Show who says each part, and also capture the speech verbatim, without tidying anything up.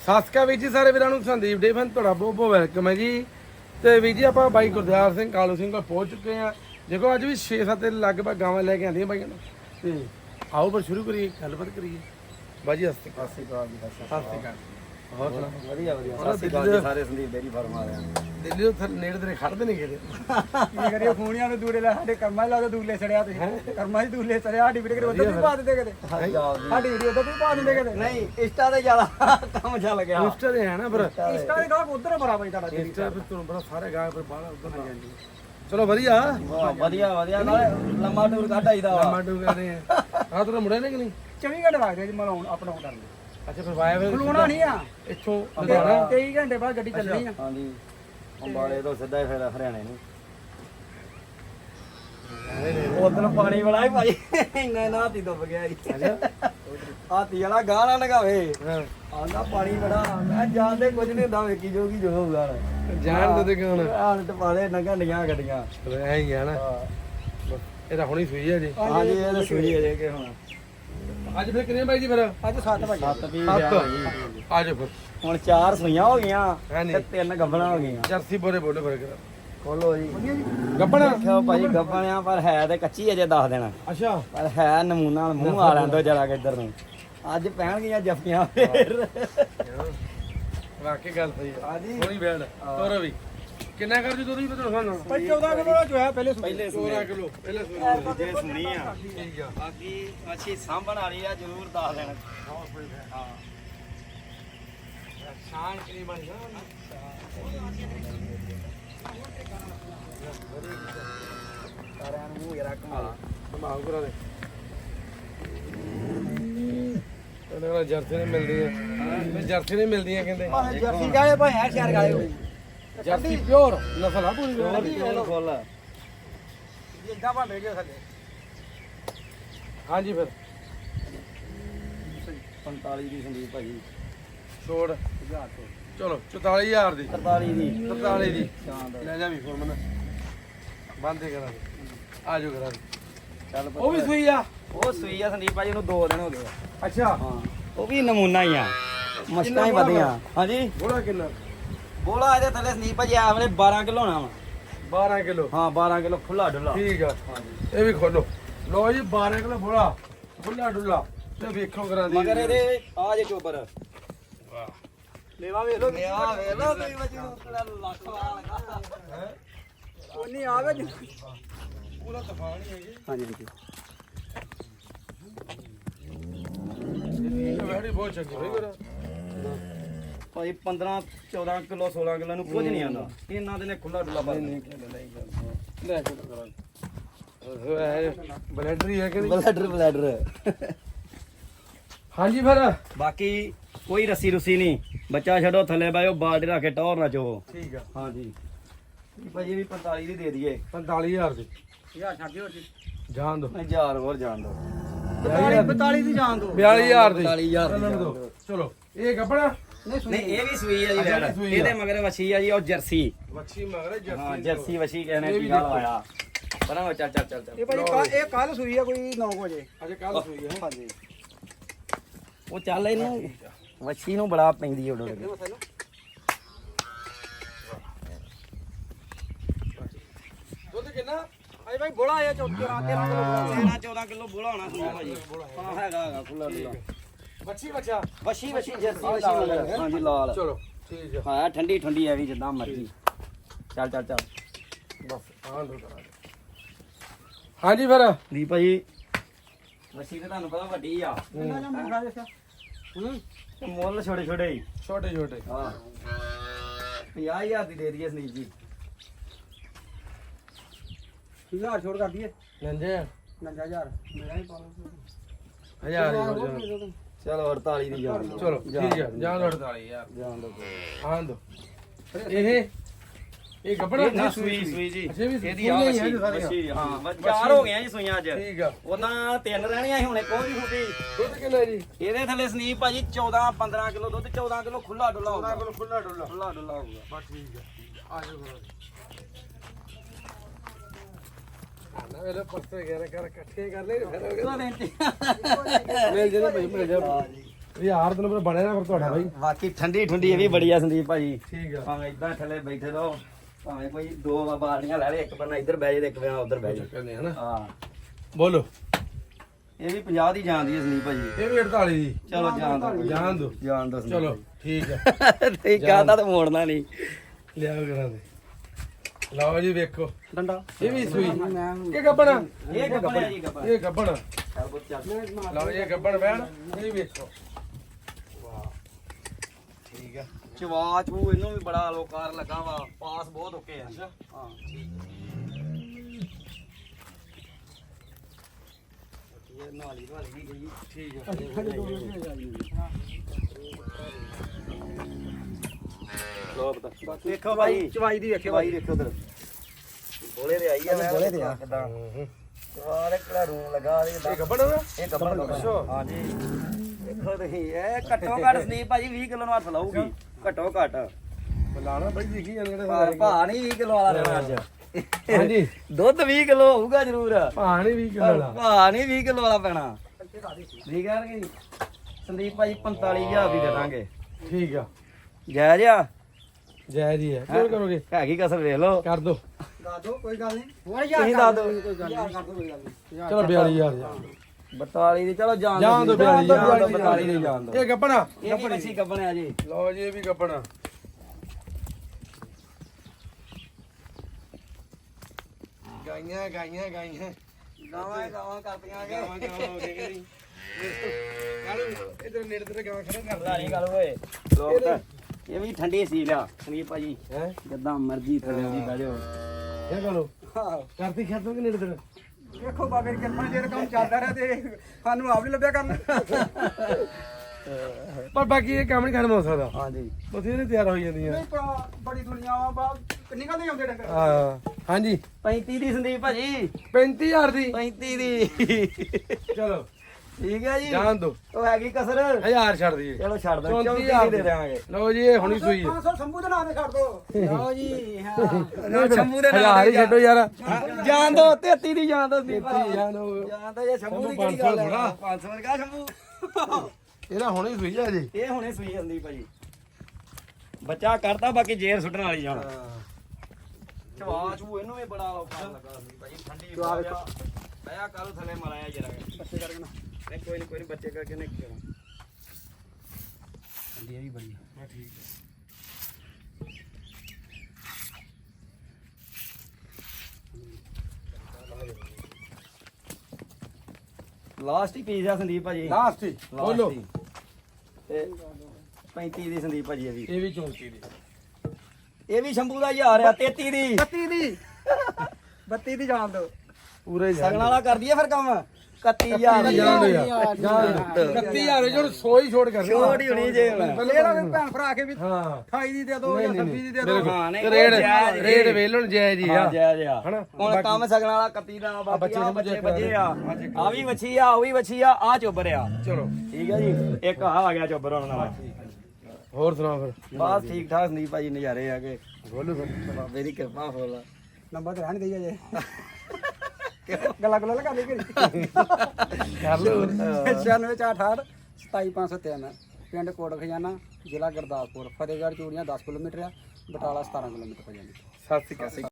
Speaker 1: ਸਤਿ ਸ਼੍ਰੀ ਅਕਾਲ ਵੀਰ ਜੀ ਸਾਰੇ ਵੀਰਾਂ ਨੂੰ। ਸੰਦੀਪ ਡੇਵਨ ਤੁਹਾਡਾ ਬਹੁਤ ਬਹੁਤ ਵੈਲਕਮ ਹੈ ਜੀ। ਤੇ ਵੀਰ ਜੀ ਆਪਾਂ ਬਾਈ ਗੁਰਦਿਆਲ ਸਿੰਘ ਕਾਲੂ ਸਿੰਘ ਕੋਲ ਪਹੁੰਚ ਚੁੱਕੇ ਆ। ਦੇਖੋ ਅੱਜ ਵੀ ਛੇ ਸੱਤ ਲਗਭਗ ਗਾਵਾਂ ਲੈ ਕੇ ਆਂਦੀਆਂ ਬਾਈਆਂ ਨੂੰ। ਤੇ ਆਓ ਪਰ ਸ਼ੁਰੂ ਕਰੀਏ, ਗੱਲਬਾਤ ਕਰੀਏ। ਬਾਜੀ ਸਤਿ ਸ਼੍ਰੀ
Speaker 2: ਸਤਿ ਸ਼੍ਰੀ ਅਕਾਲ ਜੀ।
Speaker 1: ਅਕਾਲ। ਸਤਿ ਸ਼੍ਰੀ ਅਕਾਲ। ਹੋਰ ਸੁਣਾ?
Speaker 2: ਵਧੀਆ ਵਧੀਆ। ਸਤਿ ਸ਼੍ਰੀ ਅਕਾਲ ਜੀ ਸਾਰੇ ਸੰਦੀਪ ਡੇਅਰੀ ਫਾਰਮ ਵਾਲਿਆਂ ਨੂੰ।
Speaker 1: ਦਿੱਲੀ ਤੋਂ ਥੱਲੇ ਨੇੜੇ ਤੇਰੇ ਖੜਦੇ ਨਹੀਂ ਕਿਤੇ।
Speaker 3: ਕੀ ਕਰੀਏ ਫੋਨੀਆਂ ਨੂੰ ਦੂਰੇ ਲੈ ਸਾਡੇ ਕਰਮਾਂ ਲਾ ਕੇ ਦੂਲੇ ਸੜਿਆ ਤੁਸੀਂ ਕਰਮਾਂ 'ਚ ਦੂਲੇ ਸੜਿਆ। ਸਾਡੀ ਵੀਡੀਓ ਉਧਰ ਵੀ ਪਾ ਦਿੰਦੇ ਕਿਤੇ, ਸਾਡੀ ਵੀਡੀਓ ਉਧਰ ਵੀ ਪਾ ਦਿੰਦੇ ਕਿਤੇ।
Speaker 2: ਨਹੀਂ ਇੰਸਟਾ ਤੇ ਜ਼ਿਆਦਾ ਕੰਮ ਚੱਲ ਗਿਆ।
Speaker 1: ਇੰਸਟਾ ਤੇ ਹੈ ਨਾ ਪਰ
Speaker 3: ਇੰਸਟਾ ਦੇ ਗਾਹਕ ਉਧਰ ਬੜਾ ਬਈ ਤੁਹਾਡਾ
Speaker 1: ਇੰਸਟਾ ਤੇ ਤੁਹਾਨੂੰ ਬੜਾ ਸਾਰੇ ਗਾਹਕ ਪਰ ਬਾਹਰ ਉਧਰ ਨਹੀਂ ਜਾਂਦੀ। ਚਲੋ ਵਧੀਆ
Speaker 2: ਵਾਹ ਵਧੀਆ ਵਧੀਆ ਨਾਲੇ ਲੰਮਾ ਟੂਰ ਕੱਢ ਆਈਦਾ ਵਾ।
Speaker 1: ਲੰਮਾ ਟੂ ਕਰਦੇ ਆ। ਆਹ ਤੇਰਾ ਮੁੰਡਾ ਨੇ ਕਿ ਨਹੀਂ?
Speaker 3: ਚੌਵੀ ਘੰਟੇ ਲੱਗਦੇ ਜੀ ਮਲਾਉਣ ਅਪਡਾਊਨ ਕਰਨ ਨੂੰ।
Speaker 1: ਅੱਛਾ ਫਿਰ ਵਾਇਆ ਫਿਰ
Speaker 3: ਖਲੋਣਾ ਨਹੀਂ ਆ।
Speaker 1: ਇੱਥੋਂ ਲੁਧਿਆਣਾ
Speaker 3: ਤੇਈ ਘੰਟੇ ਬਾਅਦ ਗੱਡੀ ਚੱਲਣੀ ਆ।
Speaker 2: ਹਾਂਜੀ ਅੰਬਾਲੇ ਤੋਂ ਸਿੱਧਾ ਹੀ ਫਿਰ ਹਰਿਆਣੇ ਨੂੰ। ਉਧਰ ਪਾਣੀ ਬੜਾ ਹੀ ਭਾਈ ਇੰਨਾ ਨਾ ਹਾਥੀ ਡੁੱਬ ਗਿਆ ਜੀ। ਹਾਥੀ ਵਾਲਾ ਗਾਹ ਨਾ ਲਗਾਵੇ।
Speaker 1: ਹਾਂ
Speaker 2: ਆਂਦਾ ਪਾਣੀ ਬੜਾ। ਮੈਂ ਜਾਣਦੇ ਕੁਝ ਨਹੀਂ ਹੁੰਦਾ ਵੇਖੀ ਜੋਗੀ ਜੋ ਹੋਊਗਾ।
Speaker 1: ਜਾਣ ਦੇ ਕਿ ਹੁਣ
Speaker 2: ਹਾਲਤ ਪਾਲੇ ਨੰਗਾਂ ਡੀਆਂ ਗੱਡੀਆਂ।
Speaker 1: ਐ ਹੀ ਆ ਨਾ। ਇਹਦਾ ਹੁਣੀ ਸੂਈ ਹੈ ਜੀ।
Speaker 2: ਹਾਂਜੀ ਇਹ ਤਾਂ ਸੂਈ ਹੈ ਜੇ ਕਿ ਹੁਣ
Speaker 1: ਅੱਜ ਫਿਰ ਕਿੰਨੇ ਬਾਈ ਜੀ ਫਿਰ?
Speaker 3: ਅੱਜ ਸੱਤ ਵਜੇ
Speaker 2: ਸੱਤ ਵੀ
Speaker 1: ਸੱਤ ਆ ਜਾ ਫਿਰ।
Speaker 2: ਹੁਣ ਚਾਰ ਸੂਈਆਂ ਹੋ ਗਈਆਂ
Speaker 1: ਹੈ ਨੀ।
Speaker 2: ਤੇ ਤਿੰਨ ਗੱਭਣਾ ਹੋ ਗਈਆਂ।
Speaker 1: ਜਰਸੀ ਬੋਰੇ ਬੋਲੇ ਫਿਰ ਕਰ
Speaker 2: ਖੋਲੋ ਜੀ।
Speaker 1: ਗੱਬਣਾ
Speaker 2: ਦੇਖਿਓ ਭਾਈ ਗੱਭਣਿਆ ਪਰ ਹੈ ਤੇ ਕੱਚੀ ਅਜੇ ਦੱਸ ਦੇਣਾ।
Speaker 1: ਅੱਛਾ
Speaker 2: ਪਰ ਹੈ ਨਮੂਨਾ ਮੂੰਹ ਆ ਲੈਂਦੋ ਜਰਾ ਕਿ ਇੱਧਰ ਨੂੰ। ਅੱਜ ਪੈਣਗੀਆਂ ਜੱਫੀਆਂ ਫੇਰ।
Speaker 1: ਵਾਕਈ ਗੱਲ ਸਹੀ ਹੈ।
Speaker 2: ਹਾਂਜੀ।
Speaker 1: ਸੋਹਣੀ ਬੈਣ ਤੋਰੋ ਵੀ ਕਿੰਨਾ ਕਰ ਜੀ ਦੁੱਧ ਜੀ ਤੁਹਾਨੂੰ ਸਾਨੂੰ?
Speaker 3: ਭਾਈ ਚੌਦਾਂ ਕਿਲੋ ਦਾ ਚੋਇਆ ਪਹਿਲੇ
Speaker 2: ਪਹਿਲੇ
Speaker 1: ਚੌਦਾਂ ਕਿਲੋ ਪਹਿਲੇ ਸੂਈ
Speaker 2: ਜੇ ਸੁਣੀ ਆ
Speaker 1: ਠੀਕ ਆ।
Speaker 2: ਬਾਕੀ ਅੱਛੀ ਸਾਂਭਣ ਵਾਲੀ ਆ ਜ਼ਰੂਰ ਦੱਸ ਦੇਣਾ। ਹਾਂ
Speaker 1: ਸ਼ਾਨ ਕਿੰਨੀ ਬਣੀ ਨਾ।
Speaker 2: ਸਾਰਿਆਂ ਨੂੰ ਮੂੰਹ ਜਰਾ ਘੁਮਾ।
Speaker 1: ਕਮਾਲ ਕਰਾ ਦੇ। ਉਹਨਾਂ ਨਾਲ ਜਰਸੀ ਨਹੀਂ ਮਿਲਦੀਆਂ। ਜਰਸੀ ਨਹੀਂ ਮਿਲਦੀਆਂ ਕਹਿੰਦੇ।
Speaker 3: ਜਰਸੀ ਗਾਲੇ ਭਾਈ ਹੈ ਸ਼ਹਿਰ ਗਾਲੇ ਹੋਈ
Speaker 1: ਜਰਸੀ ਪਿਓਰ ਨਸਲ ਆ ਪੂਰੀ।
Speaker 2: ਹੋਰ ਹੋਰ ਖੋਲ।
Speaker 3: ਜਿੱਦਾਂ ਭਾਂਡੇ ਗਏ ਥੱਲੇ
Speaker 1: ਹਾਂਜੀ ਫਿਰ
Speaker 2: ਪੰਤਾਲੀ ਦੀ ਸੰਦੀਪ ਭਾਜੀ।
Speaker 1: ਛੋੜ ਚਲੋ ਚੁਤਾਲੀ ਹਜ਼ਾਰ ਦੀ
Speaker 2: ਤਰਤਾਲੀ ਦੀ
Speaker 1: ਤਰਤਾਲੀ ਦੀ
Speaker 2: ਸ਼ਾਨਦਾਰ।
Speaker 1: ਲੈ ਜਾ ਵੀ ਫੋਰਮਨ ਬੰਦੇ ਕਰਾਂਗੇ। ਆ ਜਾਓ ਕਰਾਂਗੇ।
Speaker 2: ਚੱਲ
Speaker 1: ਉਹ ਵੀ ਸੂਈ ਆ।
Speaker 2: ਉਹ ਸੂਈ ਆ ਸੰਦੀਪ ਭਾਜੀ ਨੂੰ ਦੋ ਦਿਨ ਹੋ ਗਏ ਆ।
Speaker 1: ਅੱਛਾ
Speaker 2: ਹਾਂ ਉਹ ਵੀ ਨਮੂਨਾ ਹੀ ਆ। ਮਸ਼ਕਾਂ ਹੀ ਵਧੀਆਂ। ਹਾਂਜੀ
Speaker 1: ਬੋਲਾ ਕਿੰਨਾ?
Speaker 2: ਬੋਲਾ ਇਹਦੇ ਥੱਲੇ ਸੰਦੀਪ ਭਾਜੀ ਆ ਵੇਲੇ ਬਾਰਾਂ ਕਿਲੋ ਹੋਣਾ ਵਾ।
Speaker 1: ਬਾਰਾਂ ਕਿਲੋ
Speaker 2: ਹਾਂ ਬਾਰਾਂ ਕਿਲੋ ਖੁੱਲਾ ਡੁੱਲਾ।
Speaker 1: ਠੀਕ ਆ।
Speaker 2: ਹਾਂਜੀ
Speaker 1: ਇਹ ਵੀ ਖੋਲੋ। ਲੋ ਜੀ ਬਾਰਾਂ ਕਿਲੋ ਬੋਲਾ ਖੁੱਲਾ ਡੁੱਲਾ ਤੇ ਵੇਖੋ ਕਰਾਂ ਦੀ।
Speaker 2: ਮਗਰ ਇਹਦੇ ਆ ਜੇ ਚੋਬਰ
Speaker 1: ਵਾਹ
Speaker 3: ਲੇਵਾ ਵੇਖ ਲੋ
Speaker 2: ਲਿਆ ਵੇਖ ਲੋ ਤੁਸੀਂ ਬੱਚੀ ਨੂੰ ਕਿਹੜਾ ਲੱਖ ਵਾਲਾ ਲਗਾ
Speaker 1: ਹੈ
Speaker 3: ਉਨੀ ਆਵੇ ਜੀ।
Speaker 1: ਪੂਰਾ ਤੂਫਾਨ ਹੀ ਹੈ ਜੀ।
Speaker 2: ਹਾਂਜੀ ਹਾਂਜੀ
Speaker 1: ਇਹ ਵੈੜੀ ਬਹੁਤ ਚੰਗੀ ਹੋਈ ਮੇਰਾ।
Speaker 2: ਭਾਈ ਪੰਦਰਾਂ ਚੌਦਾਂ ਕਿਲੋ ਸੋਲਾਂ ਕਿਲੋ ਨੂੰ ਕੁਝ ਨਹੀਂ ਆਉਂਦਾ। ਇਹਨਾਂ ਦੇ ਨੇ ਖੁੱਲਾ ਡੁੱਲਾ ਪਾ
Speaker 1: ਨਹੀਂ ਲੈ ਚਲੋ ਕਰਾਂਗੇ। ਉਹ ਬਲੈਡਰੀ ਹੈ ਕਿ ਨਹੀਂ?
Speaker 2: Bladder bladder.
Speaker 1: ਹਾਂਜੀ ਫਿਰ
Speaker 2: ਬਾਕੀ ਕੋਈ ਰੱਸੀ ਰੁੱਸੀ ਨਹੀਂ। ਬੱਚਾ ਛੱਡੋ ਥੱਲੇ ਬਾਇਓ ਬਾਲਟੀ ਰੱਖ ਕੇ ਟੌਰ ਨਾ ਚੋ।
Speaker 1: ਠੀਕ ਆ।
Speaker 2: ਹਾਂਜੀ ਭਾਜੀ ਵੀ ਪੰਤਾਲੀ ਦੀ ਦੇ ਦਈਏ।
Speaker 1: ਪੰਤਾਲੀ ਹਜ਼ਾਰ ਦੀ
Speaker 3: ਯਾਰ ਛੱਡ ਦਿਓ ਜੀ
Speaker 1: ਜਾਣ ਦੋ।
Speaker 2: ਹਜ਼ਾਰ ਹੋਰ ਜਾਣ ਦੋ।
Speaker 3: ਬਤਾਲੀ ਦੀ ਜਾਨ ਦੋ।
Speaker 1: ਬਿਆਲੀ ਹਜ਼ਾਰ ਦੀ
Speaker 2: ਬਤਾਲੀ ਹਜ਼ਾਰ ਦੀ
Speaker 1: ਚੱਲਣ
Speaker 2: ਜਾਣ
Speaker 1: ਦਿਓ।
Speaker 2: ਦਿਓ।
Speaker 1: ਚਲੋ ਇਹ ਗੱਬੜਾ
Speaker 2: ਨਹੀਂ ਇਹ ਵੀ ਸੂਈ ਆ ਜੀ
Speaker 1: ਅੱਛਾ,
Speaker 2: ਵੈੜ।
Speaker 1: ਇਹ ਸੂਈ ਆ।
Speaker 2: ਇਹਦੇ ਮਗਰ ਵਛੀ ਆ ਜੀ ਉਹ ਜਰਸੀ।
Speaker 1: ਵੱਛੀ ਮਗਰ ਜਰਸੀ।
Speaker 2: ਹਾਂ ਜਰਸੀ ਵਛੀ ਕਹਿੰਦੇ
Speaker 1: ਇਹ ਵੀ
Speaker 2: ਟੀਕਾ
Speaker 1: ਦੇਖੋ।
Speaker 2: ਲਵਾਇਆ। ਪਰਾਂ ਹੋ ਚੱਲ ਚੱਲ ਚੱਲ ਚੱਲ।
Speaker 3: ਇਹ ਭਾਜੀ ਕੱਲ੍ਹ- ਇਹ ਕੱਲ ਸੂਈ ਆ ਕੋਈ ਨੌ ਵਜੇ।
Speaker 1: ਅਜੇ ਕੱਲ ਸੂਈ ਹੈ।
Speaker 3: ਹਾਂਜੀ
Speaker 2: ਉਹ ਚੱਲ ਇਹਨੂੰ ਵਛੀ ਨੂੰ ਬੜਾ ਪੈਂਦੀ ਉਡੋ ਲੱਗੇ।
Speaker 1: ਦੁੱਧ ਕਿੰਨਾ?
Speaker 3: ਅਜੇ ਭਾਈ ਬੋਲਾ ਆਇਆ ਚੌਦਾਂ ਤੇਰਾਂ ਕਿਲੋ
Speaker 2: ਤੇਰਾਂ ਚੌਦਾਂ ਕਿਲੋ ਬੋਲਾ ਹੋਣਾ ਸੀ ਭਾਜੀ। ਹਾਂ ਹੈਗਾ ਹੈਗਾ ਖੁੱਲਾ ਡੁੱਲਾ।
Speaker 1: ਵੱਛੀ ਬੱਚਾ
Speaker 2: ਵਛੀ ਵਛੀ ਜਰਸੀ ਵਛੀ ਮਗਰ। ਹਾਂਜੀ ਲਾਲ।
Speaker 1: ਚਲੋ ਠੀਕ ਆ।
Speaker 2: ਹਾਂ ਠੰਡੀ ਠੰਡੀ ਆ ਵੀ ਜਿੱਦਾਂ ਮਰਜੀ। ਚੱਲ ਚੱਲ ਚੱਲ।
Speaker 1: ਬਸ ਆਹ ਦੋ ਕਰਾ ਦੇ। ਹਾਂਜੀ ਫਿਰ
Speaker 2: ਦੀ ਭਾਜੀ ਵਛੀ ਤੇ ਤੁਹਾਨੂੰ ਪਤਾ ਵੱਡੀ ਆ।
Speaker 1: ਹੂੰ
Speaker 2: ਤੇ ਮੁੱਲ ਛੋਟੇ ਛੋਟੇ ਹੀ।
Speaker 1: ਛੋਟੇ ਛੋਟੇ
Speaker 2: ਹਾਂ ਪੰਜਾਹ ਹਜ਼ਾਰ ਦੀ ਦੇ ਦਈਏ ਸੰਦੀਪ ਜੀ।
Speaker 3: ਹਜ਼ਾਰ ਛੋੜ ਕਰ ਦਈਏ।
Speaker 1: ਨੰਜੇ
Speaker 3: ਨੰਜਾ ਹਜ਼ਾਰ ਮੇਰਾ ਹੀ ਪਾ ਲਓ।
Speaker 1: ਹਜ਼ਾਰ ਹੀ ਹੋ ਜਾਣ।
Speaker 2: ਚਲੋ ਅੜਤਾਲੀ ਦੀ ਜਾਣ ਦਿਓ।
Speaker 1: ਚਲੋ ਠੀਕ ਆ। ਜਾਣ ਦੋ ਅੜਤਾਲੀ ਯਾਰ।
Speaker 2: ਜਾਣ ਦੋ।
Speaker 1: ਆਣ ਦੋ। ਇਹ ਇਹ ਗੱਬੜਾ
Speaker 2: ਇਹ ਸੂਈ ਸੂਈ ਜੀ।
Speaker 1: ਅੱਛਾ ਵੀ
Speaker 2: ਇਹਦੀ ਆ
Speaker 1: ਸੂਈਆਂ ਹੀ ਆ
Speaker 2: ਵਛੀ
Speaker 1: ਸਾਰੀਆਂ।
Speaker 2: ਵਛੀ ਹਾਂ ਬਸ ਚਾਰ ਹੋ ਗਈਆਂ ਜੀ ਸੂਈਆਂ ਅੱਜ।
Speaker 1: ਠੀਕ ਆ।
Speaker 2: ਉਹਨਾਂ ਤਿੰਨ ਰਹਿਣੀਆਂ ਸੀ ਹੁਣੇ ਕੋਈ ਨਹੀਂ ਫੁੱਟੀ।
Speaker 1: ਦੁੱਧ ਕਿੰਨਾ ਜੀ?
Speaker 2: ਇਹਦੇ ਥੱਲੇ ਸੰਦੀਪ ਭਾਜੀ ਚੌਦਾਂ ਪੰਦਰਾਂ ਕਿਲੋ ਦੁੱਧ ਚੌਦਾਂ ਕਿਲੋ ਖੁੱਲਾ ਡੁੱਲਾ ਹੋਊਗਾ।
Speaker 1: ਕੋਲ ਖੁੱਲਾ ਡੁੱਲਾ।
Speaker 2: ਖੁੱਲਾ ਡੁੱਲਾ ਹੋਊਗਾ।
Speaker 1: ਬਸ ਠੀਕ ਆ। ਆ ਜਾਓ ਕਰੋ। ਨਾ ਵੇਲੇ ਪਰਸੇ ਗੇਰੇ ਕਰ ਇਕੱਠੇ ਕਰ ਲੈ ਫਿਰ ਹੋ ਗਿਆ। ਮਿਲ ਜੇ ਭਾਈ ਮਿਲ ਜਾ। ਇਹ ਯਾਰ ਤੈਨੂੰ ਫਿਰ ਬਣਿਆ ਨਾ ਫਿਰ ਤੁਹਾਡਾ ਬਾਈ
Speaker 2: ਬਾਕੀ ਠੰਡੀ ਠੰਡੀ ਇਹ ਵੀ ਬੜੀ ਆ ਸੰਦੀਪ ਭਾਜੀ
Speaker 1: ਠੀਕ ਆ
Speaker 2: ਭਾਵੇਂ ਇਦਾਂ ਥੱਲੇ ਬੈਠੇ ਰਹੋ ਭਾਵੇਂ ਕੋਈ ਦੋ ਬਾਲਟੀਆਂ ਲੈ ਲੈ ਇੱਕ ਬੰਨਾ ਇੱਧਰ ਬਹਿ ਜੇ ਤੇ ਇੱਕ ਬੰਨਾ ਉੱਧਰ ਬਹਿ ਜੇ
Speaker 1: ਕਹਿੰਦੇ ਹਨਾ
Speaker 2: ਹਾਂ
Speaker 1: ਬੋਲੋ
Speaker 2: ਇਹ ਵੀ ਪੰਜਾਹ ਦੀ ਜਾਂਦੀ ਹੈ ਸੰਦੀਪ ਭਾਜੀ
Speaker 1: ਇਹ ਵੀ ਅੜਤਾਲੀ ਦੀ
Speaker 2: ਚਲੋ ਜਾਣ ਦੋ
Speaker 1: ਜਾਣ ਦੋ
Speaker 2: ਜਾਣ ਦੋ
Speaker 1: ਚਲੋ ਠੀਕ ਆ
Speaker 2: ਤੇ ਕਹਤਾ ਤਾਂ ਮੋੜਨਾ ਨਹੀਂ
Speaker 1: ਲਿਆਓ ਕਰਾਂ ਦੇ ਲਓ ਜੀ ਵੇਖੋ
Speaker 3: ਡੰਡਾ
Speaker 1: ਇਹ ਵੀ ਸੂਈ ਇਹ ਗੱਬਣਾ
Speaker 2: ਇਹ ਗੱਪਣਾ ਜੀ ਗੱਪਣਾ
Speaker 1: ਇਹ ਗੱਬਣਾ
Speaker 2: ਚੱਲ ਪੁੱਤ ਚੱਲ
Speaker 1: ਲਓ ਜੀ ਇਹ ਗੱਬਣ ਬੈਣ ਇਹ ਵੇਖੋ ਵਾਹ ਠੀਕ ਆ
Speaker 2: ਚਵਾ ਚੂ ਇਹਨੂੰ ਵੀ ਬੜਾ ਅਲੋਕਾਰ ਲੱਗਾ ਵਾ ਪਾਸ ਬਹੁਤ ਓਕੇ ਆ ਹਾਂ ਇਹ ਨਾਲੀ ਨਾਲੀ ਨਹੀਂ ਗਈ
Speaker 1: ਠੀਕ ਆ
Speaker 2: ਲੋ ਪਤਾ ਵੇਖੋ ਭਾਈ
Speaker 3: ਚਵਾਈ ਦੀ ਵੇਖਿਓ
Speaker 2: ਚਵਾਈ ਦੇਖੋ ਉਧਰ ਬੋਲੇ ਤੇ ਆਈ ਆ ਮੈਂ
Speaker 3: ਬੋਲੇ ਤੇ ਆ।
Speaker 2: ਕਿਦਾਂ ਚਵਾਰੇ ਕਿਹੜਾ ਰੂਮ ਲਗਾ ਦੇ
Speaker 1: ਇਹ ਗੱਬਣ ਨਾ
Speaker 2: ਇਹ ਗੱਬਰ
Speaker 1: ਅੱਛਾ।
Speaker 2: ਹਾਂਜੀ ਦੇਖੋ ਤੁਸੀਂ ਇਹ ਘੱਟੋ ਘੱਟ ਸੰਦੀਪ ਭਾਜੀ ਵੀਹ ਕਿਲੋ ਨੂੰ ਹੱਥ ਲਾਊਗੀ ਘੱਟੋ ਘੱਟ
Speaker 1: ਲਾਣਾ ਬਈ ਦੇਖੀ ਜਾਂਦੇ ਨੇ
Speaker 2: ਪਰ ਭਾ ਨਹੀਂ ਵੀਹ ਕਿਲੋ ਵਾਲਾ ਲੈਣਾ ਅੱਜ
Speaker 1: ਹਾਂਜੀ
Speaker 2: ਦੁੱਧ ਵੀਹ ਕਿਲੋ ਹੋਊਗਾ ਜ਼ਰੂਰ
Speaker 1: ਪਾਣੀ ਵੀ ਕਿਲੋ ਦਾ
Speaker 2: ਭਾ ਨਹੀਂ ਵੀਹ ਕਿਲੋ ਵਾਲਾ ਪੈਣਾ ਠੀਕ ਹੈ ਕਿ ਸੰਦੀਪ ਭਾਜੀ ਪੰਤਾਲੀ ਹਜ਼ਾਰ ਦੀ ਦੇ ਦਾਂਗੇ
Speaker 1: ਠੀਕ ਆ
Speaker 2: ਜਾਇਜ਼ ਆ
Speaker 1: ਜੈ ਜੀ ਹੈ ਕਿਉਂ ਕਰੋਗੇ
Speaker 2: ਹੈਗੀ ਕਸਰ ਵੇਖ ਲਓ
Speaker 1: ਕਰ ਦੋ
Speaker 3: ਦੱਸ ਦੋ ਕੋਈ ਗੱਲ ਨਹੀਂ
Speaker 2: ਤੁਸੀਂ ਦੱਸ ਦਿਓ
Speaker 3: ਕੋਈ ਗੱਲ ਨਹੀਂ ਕਰ ਦੋ ਕੋਈ ਗੱਲ ਨਹੀਂ
Speaker 1: ਚਲੋ ਬਿਆਲੀ ਹਜ਼ਾਰ ਜੀ
Speaker 2: ਬਤਾਲੀ ਦੀ ਚਲੋ ਜਾਣ
Speaker 1: ਜਾਣ ਦਿਓ ਬਿਆਲੀ
Speaker 2: ਜਾਣ ਦਿਓ
Speaker 1: ਹਜ਼ਾਰ।
Speaker 2: ਬਤਾਲੀ ਦੀ ਜਾਣ ਦਿਓ
Speaker 1: ਇਹ ਗੱਬਣਾ
Speaker 2: ਇਹ ਵੀ ਅਸੀਂ ਕੱਪਣਿਆ ਜੀ
Speaker 1: ਲਓ ਜੀ ਇਹ ਵੀ ਗੱਬਣਾ ਗਾਈਆਂ ਗਾਈਆਂ ਗਾਈਆਂ
Speaker 2: ਗਾਵਾਂ ਗਾਵਾਂ ਕਰਦੀਆਂ
Speaker 1: ਗਾਵਾਂ ਗਾਵਾਂ ਹੋ ਗਏ ਕਿ ਕਾਲੂ ਇਧਰ ਨੇੜੇ ਤੇ ਗਾਵਾਂ ਖੜਾ ਕਰ
Speaker 2: ਲਾਣੀ ਗੱਲ ਓਏ ਲੋਕ ਤਾਂ ਇਹ ਵੀ ਠੰਡੀ ਸੀ ਲਿਆ ਸੰਦੀਪ ਭਾਜੀ
Speaker 1: ਹੈ
Speaker 2: ਜਿੱਦਾਂ ਮਰਜ਼ੀ ਥੱਲੇ ਦੀ ਬਹਿ ਜਾਓ
Speaker 1: ਇਹ ਕਾਲੂ ਕਰਤੀ ਖੇਤੋਂ ਕਿ ਨੇੜੇ ਤੇ
Speaker 3: ਵੇਖੋ ਬਾਬੇ ਦੀ ਕਿਰਪਾ ਜੇ ਕੰਮ ਚੱਲਦਾ ਰਿਹਾ ਤੇ ਸਾਨੂੰ ਆਪ ਨਹੀਂ ਲੱਭਿਆ ਕਰਨ
Speaker 1: ਪਰ ਬਾਕੀ ਇਹ ਕੰਮ ਨਹੀਂ ਖਤਮ ਹੋ ਸਕਦਾ
Speaker 2: ਹਾਂਜੀ
Speaker 1: ਬਥੇਰੇ ਤਿਆਰ ਹੋਈ ਜਾਂਦੀਆਂ
Speaker 3: ਨਹੀਂ ਭਰਾ ਬੜੀ ਦੁਨੀਆ ਆ ਬਾ ਨਿਕਲਦੇ ਆਉਂਦੇ ਡੰਗਰ
Speaker 1: ਹਾਂ ਹਾਂਜੀ
Speaker 2: ਪੈਂਤੀ ਦੀ ਸੰਦੀਪ ਭਾਜੀ
Speaker 1: ਪੈਂਤੀ ਹਜ਼ਾਰ ਦੀ
Speaker 2: ਪੈਂਤੀ ਦੀ
Speaker 1: ਚਲੋ
Speaker 2: ਠੀਕ ਹੈ ਜੀ
Speaker 1: ਜਾਣ ਦੋ
Speaker 2: ਉਹ ਹੈਗੀ ਕਸਰ
Speaker 1: ਹਜ਼ਾਰ ਛੱਡ ਦਈਏ
Speaker 2: ਚਲੋ ਛੱਡ ਦੋ
Speaker 1: ਚੌਂਤੀ
Speaker 2: ਚੌਂਤੀ
Speaker 1: ਹਜ਼ਾਰ
Speaker 2: ਦੀ ਦੇ ਦੇਵਾਂਗੇ
Speaker 1: ਲਓ ਜੀ ਇਹ ਹੁਣੀ ਸੂਈ ਹੈ
Speaker 3: ਪੰਜ ਸੌ ਸ਼ੰਭੂ ਦੇ ਨਾਂ ਤੇ ਛੱਡ ਦੋ
Speaker 2: ਲਓ ਜੀ ਹਾਂ
Speaker 1: ਸ਼ੰਭੂ ਦੇ ਹਜ਼ਾਰ ਹੀ ਛੱਡੋ ਯਾਰ
Speaker 2: ਜਾਣ ਦੋ ਤੇਤੀ ਦੀ ਜਾਣ ਦੋ ਸੰਦੀਪ ਭਾਜੀ
Speaker 1: ਜਾਣ ਦਿਓ।
Speaker 2: ਜਾਣ ਦੋ ਇਹ ਸ਼ੰਭੂ ਦੀ
Speaker 1: ਪੰਜ
Speaker 2: ਕਿਹੜੀ
Speaker 1: ਸੌ
Speaker 2: ਗੱਲ
Speaker 1: ਥੋੜ੍ਹਾ।
Speaker 2: ਹੈ ਪੰਜ ਸੌ ਰੁਪਇਆ ਸ਼ੰਭੂ
Speaker 1: ਇਹਦਾ ਹੁਣੀ ਸੂਈ ਹੈ ਜੀ
Speaker 2: ਇਹ ਹੁਣੇ ਸੂਈ ਜਾਂਦੀ ਭਾਜੀ ਬੱਚਾ ਕਰਦਾ ਬਾਕੀ ਜੇਰ ਸੁੱਟਣ ਵਾਲੀ ਜਾਣ ਚਵਾ ਚੂ ਇਹਨੂੰ ਵੀ ਬੜਾ ਔਖਾ ਲੱਗਾ ਸੀ ਭਾਜੀ ਠੰਡੀ ਬਾਇਆ ਬਾਇਆ ਕੱਲ ਥੱਲੇ ਮਲਾਇਆ ਜਰਾ ਬੱਚੇ ਕਰਕੇ ਨਾ ਨਹੀਂ ਕੋਈ ਨਹੀਂ ਕੋਈ ਨਹੀਂ ਬੱਚੇ ਕਰਕੇ ਨਹੀਂ ਕਿਹਾ ਠੰਡੀ ਵੀ ਬੜੀ
Speaker 1: ਹਾਂ ਠੀਕ ਹੈ
Speaker 2: ਲਾਸਟ ਹੀ ਪੀਸ ਆ ਸੰਦੀਪ ਭਾਜੀ
Speaker 1: ਲਾਸਟ ਹੀ ਬੋਲੋ
Speaker 2: Last ਹੀ। ਤੇ ਪੈਂਤੀ ਦੀ ਸੰਦੀਪ ਭਾਜੀ ਇਹ ਵੀ
Speaker 1: ਇਹ ਵੀ ਚੌਂਤੀ ਦੀ
Speaker 2: ਇਹ ਵੀ ਸ਼ੰਭੂ ਦਾ ਹਜ਼ਾਰ ਆ ਤੇਤੀ ਦੀ
Speaker 3: ਬੱਤੀ ਦੀ ਬੱਤੀ ਦੀ ਜਾਣ ਦੋ
Speaker 1: ਪੂਰੇ
Speaker 2: ਸਗਣ ਵਾਲਾ ਕਰ ਦਈਏ ਫਿਰ ਕੰਮ ਇਕੱਤੀ ਹਜ਼ਾਰ ਦੀ
Speaker 1: ਜਾਣ ਦੋ ਯਾਰ ਇਕੱਤੀ ਹਜ਼ਾਰ ਜੋ ਸੌ ਹੀ ਛੋੜ ਕਰ
Speaker 2: ਛੋਟੀ ਹੋਣੀ ਜੇ ਹੁਣ
Speaker 3: ਇਹਦਾ ਵੀ ਭੈਣ ਭਰਾ ਕੇ ਵੀ
Speaker 1: ਹਾਂ
Speaker 3: ਅਠਾਈ ਦੀ ਦੇ ਦੋ ਜਾਂ ਛੱਬੀ ਦੀ ਦੇ ਦੋ
Speaker 1: ਬਿਲਕੁਲ।
Speaker 2: ਹਾਂ, ਨਹੀਂ,
Speaker 1: ਰੇਟ
Speaker 2: ਉਹ ਜਾਇਜ਼ ਜੀ।
Speaker 1: ਰੇਟ ਵੇਲਣ ਜੈ ਜੀ ਆ
Speaker 2: ਹਾਂ ਜੈ ਜੈ
Speaker 1: ਹਨਾ?
Speaker 2: ਹੁਣ ਕੰਮ ਸਗਣ ਵਾਲਾ ਇਕੱਤੀ ਦਾ ਬਾਕੀ
Speaker 1: ਬੱਚੇ
Speaker 2: ਆ
Speaker 1: ਨੂੰ
Speaker 2: ਬੱਚੇ
Speaker 1: check
Speaker 2: ਬੱਜੇ ਆ
Speaker 1: ਕਰਾ
Speaker 2: ਆ ਵੀ ਵੱਛੀ ਆ ਉਹ ਵੀ ਵੱਛੀ ਆ ਆ ਚੋਬਰ ਆ
Speaker 1: ਚਲੋ
Speaker 2: ਠੀਕ ਹੈ ਜੀ ਇੱਕ ਆ ਆ ਗਿਆ ਚੋਬਰ ਹੁਣ ਨਾਲ
Speaker 1: ਹੋਰ ਸੁਣਾਓ ਫਿਰ
Speaker 2: ਬਸ ਠੀਕ ਠਾਕ ਸੰਦੀਪ ਭਾਜੀ ਨਜ਼ਾਰੇ ਆ ਗਏ
Speaker 1: ਬੋਲੋ ਫਿਰ
Speaker 2: ਬਾਬੇ ਦੀ ਕਿਰਪਾ ਹੋਲਾ
Speaker 3: ਨੰਬਰ ਤੇ ਰਹਿਣ ਗਈ ਜੇ ਗੱਲਾਂ ਗੱਲਾਂ ਲਗਾ ਦੇ
Speaker 1: ਕਰ ਲਓ
Speaker 3: ਛਿਆਨਵੇਂ ਚਾਰ ਅਠਾਹਠ ਸਤਾਈ ਪੰਜ ਸੌ ਤਿੰਨ ਪਿੰਡ ਕੋਟ ਖਜ਼ਾਨਾ ਜ਼ਿਲ੍ਹਾ ਗੁਰਦਾਸਪੁਰ ਫਤਿਹਗੜ੍ਹ ਚੂੜੀਆਂ ਦਸ ਕਿਲੋਮੀਟਰ ਆ ਬਟਾਲਾ ਸਤਾਰਾਂ ਕਿਲੋਮੀਟਰ ਹੋ ਜਾਂਦੀ
Speaker 1: ਸਤਿ ਸ਼੍ਰੀ ਅਕਾਲ